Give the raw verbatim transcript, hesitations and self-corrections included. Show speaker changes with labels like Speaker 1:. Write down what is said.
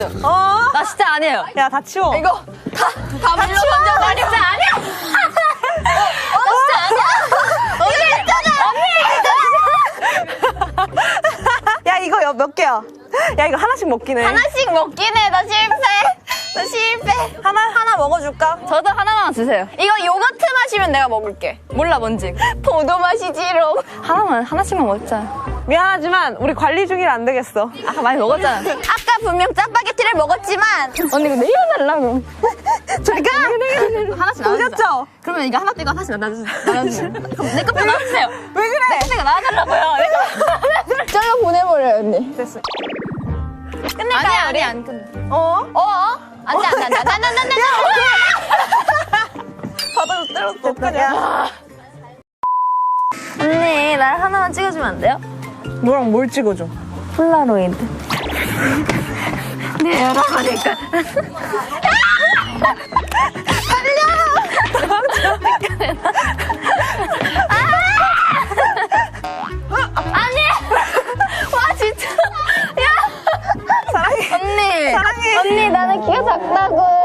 Speaker 1: 어?
Speaker 2: 나 진짜 아니에요.
Speaker 1: 야, 다 치워.
Speaker 2: 이거 다, 다 물로 던져. 나 진짜 아니야. 어, 나 진짜 아니야. 언니, 언니.
Speaker 1: 야, 이거 여- 몇 개야? 야, 이거 하나씩 먹긴 해.
Speaker 2: 하나씩 먹긴 해. 나 실패. 나 실패.
Speaker 1: 하나, 하나 먹어줄까?
Speaker 2: 저도 하나만 주세요. 이거 요거트 맛이면 내가 먹을게. 몰라, 뭔지. 포도 맛이지롱. 하나만, 하나씩만 먹자.
Speaker 1: 미안하지만, 우리 관리 중이라 안 되겠어.
Speaker 2: 아까 많이 먹었잖아. 아까 분명 짜파게티를 먹었지만. 언니, 이거 내려달라고.
Speaker 1: 저리가!
Speaker 2: 하나씩 나눠주자.
Speaker 1: 보셨죠?
Speaker 2: 그러면 이거 하나 떼고 하나씩 나눠주세요. 나눠주세요. 내 거표 나눠주세요.
Speaker 1: 왜 그래?
Speaker 2: 내 거표가 나눠달라고요. 내 거. 잘라 보내버려요, 언니.
Speaker 1: 됐어.
Speaker 2: 끝낼까요? 아니야, 우리 안 끝내.
Speaker 1: 어?
Speaker 2: 어? 안 돼, 안 돼, 안 돼, 안 돼, 안 돼, 안 돼.
Speaker 1: 바닥에서 때렸어. 어떡하냐?
Speaker 2: 언니, 날 하나만 찍어주면 안 돼요?
Speaker 1: 너랑 뭘 찍어줘?
Speaker 2: 폴라로이드. 네, 열어보니까. 아니! 와, 진짜. 야!
Speaker 1: 사랑해.
Speaker 2: 언니.
Speaker 1: 사랑해.
Speaker 2: 언니, 나는 키가 작다고.